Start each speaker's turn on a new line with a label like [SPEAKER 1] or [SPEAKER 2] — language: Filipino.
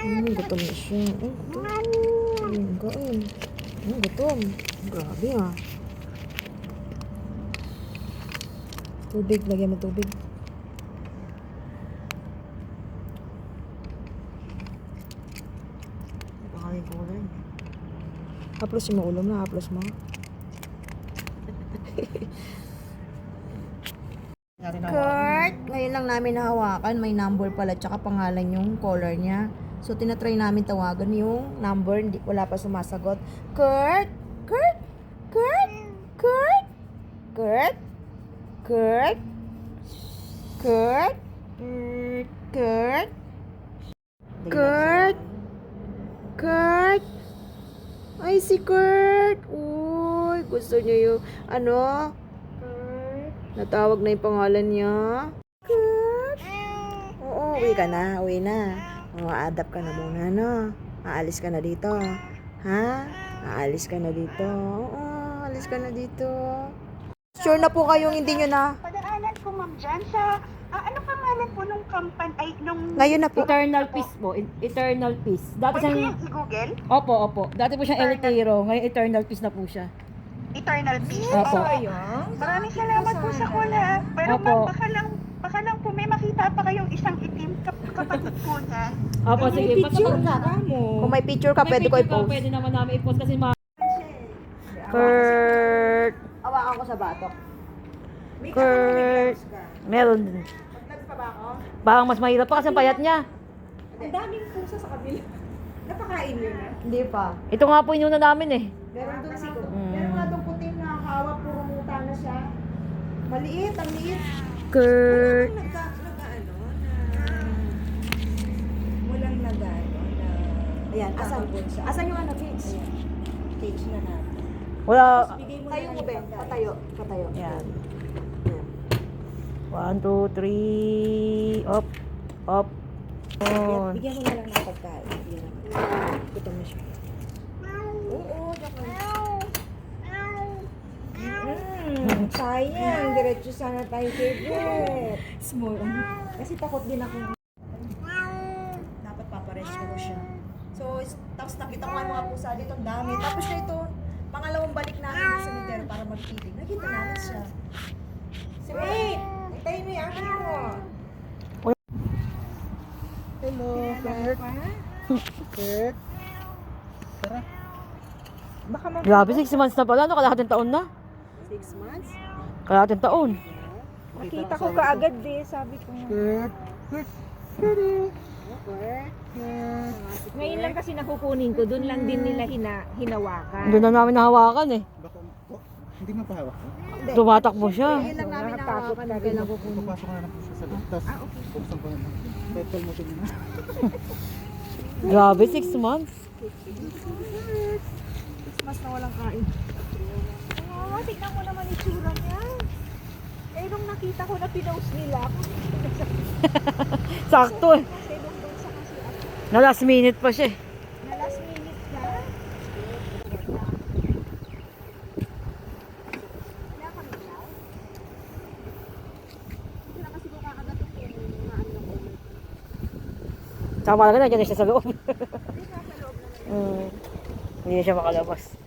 [SPEAKER 1] Gutom na siya. Gutom. Kain. Gutom. Grabe ah. Tubig. Lagyan mo tubig. Pakain ko rin. Haplos mo ulam na. Haplos mo. Kurt, ngayon lang namin nahawakan. May number pala tsaka pangalan yung caller niya. So, tinatry namin tawagan yung number. Wala pa sumasagot. Kurt! Kurt! Kurt! Kurt! Kurt! Kurt! Kurt! Kurt! Kurt! Kurt! Ay, si Kurt! Uy, gusto niya yung, ano? Natawag na yung pangalan niya. Kurt! Oo, uwi ka na. Uwi na. Adapt ka na muna, no? Aalis ka na dito. Ha? Aalis ka na dito. Oo, aalis ka na dito. Sure na po kayong hindi nyo na?
[SPEAKER 2] Padaanan ko, ma'am, dyan sa... ano pangalan po nung company? Ay, nung...
[SPEAKER 1] Ngayon na po.
[SPEAKER 3] Eternal Peace po. Eternal Peace. Dati
[SPEAKER 2] Pwede
[SPEAKER 3] siyang...
[SPEAKER 2] yung i-google?
[SPEAKER 3] Opo. Dati po siyang Elitero. Ngayon Eternal Peace na po siya.
[SPEAKER 2] Eternal Peace?
[SPEAKER 3] Opo.
[SPEAKER 2] Maraming salamat po sa kula. Pero
[SPEAKER 3] Opo.
[SPEAKER 2] ma'am, baka lang po may makita pa kayong isang itim kapatid po niyan.
[SPEAKER 3] Opo, sige.
[SPEAKER 1] Kung may picture ka, pwede ko i-post.
[SPEAKER 3] Pwede naman namin i-post kasi
[SPEAKER 1] Kurt! Awakan ko sa batok. Kurt! Meron din. Baka mas mahirap pa kasi ang payat niya.
[SPEAKER 4] Ang daming pusa sa kabila. Napakain yun na.
[SPEAKER 1] Hindi pa.
[SPEAKER 3] Ito nga po inuna namin eh.
[SPEAKER 4] Meron doon siguro. Meron nga doon puting nakakawa, puro muta na siya. Maliit, ang liit.
[SPEAKER 1] Kurt!
[SPEAKER 4] Walang nag-ano na...
[SPEAKER 1] Ayan, asan? Asan yung ano, Fix?
[SPEAKER 4] Cage na natin.
[SPEAKER 3] Wala.
[SPEAKER 4] Bigay mo
[SPEAKER 1] Tayo
[SPEAKER 4] na
[SPEAKER 1] mo,
[SPEAKER 4] lang
[SPEAKER 1] Ben.
[SPEAKER 4] yung pagkain.
[SPEAKER 1] Patayo. Patayo.
[SPEAKER 3] Ayan.
[SPEAKER 1] Ayan.
[SPEAKER 3] 1, 2, 3. Up. Up. On.
[SPEAKER 4] Bigyan mo na lang ng pagkain. Bigyan mo.
[SPEAKER 1] Gutom na siya.
[SPEAKER 4] Oo, sayang. Diretso sana tayo favorite.
[SPEAKER 1] Small.
[SPEAKER 4] Kasi takot din ako. Dapat paparescue ko siya. So, tapos nakita ko nga mga pusa dito, ang dami. Tapos na ito, pangalawang balik namin sa cemetery para magpiling. Nakita namin siya. Wait! Hintayin mo yung akin mo.
[SPEAKER 1] Hello, Kurt. Kurt.
[SPEAKER 4] Baka mag-
[SPEAKER 3] Grabe, 6 months na pala. Ano, kalahating taon na?
[SPEAKER 1] 6 months?
[SPEAKER 3] Kalahating taon.
[SPEAKER 4] Nakita ko kaagad eh, sabi ko.
[SPEAKER 1] Kurt. Kurt. Kurt.
[SPEAKER 4] Ngayon lang kasi nakukunin ko, doon lang din nila hinawakan.
[SPEAKER 3] Doon na namin nahawakan eh.
[SPEAKER 5] Baka, hindi mo pahawak.
[SPEAKER 3] Tumatakbo siya.
[SPEAKER 1] Ngayon lang namin nakawakan. Kailan ko kunin.
[SPEAKER 5] Papasok na lang po siya sa loob. Tapos, buksan ko na lang. Petrol mo din na.
[SPEAKER 3] Grabe, 6 months.
[SPEAKER 1] 6 months na walang kain.
[SPEAKER 4] Oo, tignan mo naman itsura niya. Eh, nung nakita ko na pinost nila,
[SPEAKER 3] Sakto eh.
[SPEAKER 4] kasi nung doon sa kasi ako,
[SPEAKER 3] Na last minute pa siya eh.
[SPEAKER 4] na last minute na. Wala kami daw. Hindi na kasi ko kakagatot yung mga ano ko.
[SPEAKER 3] Saka malaga nandiyan na siya sa loob.
[SPEAKER 4] Hindi na sa loob na
[SPEAKER 3] Hindi na siya makalabas.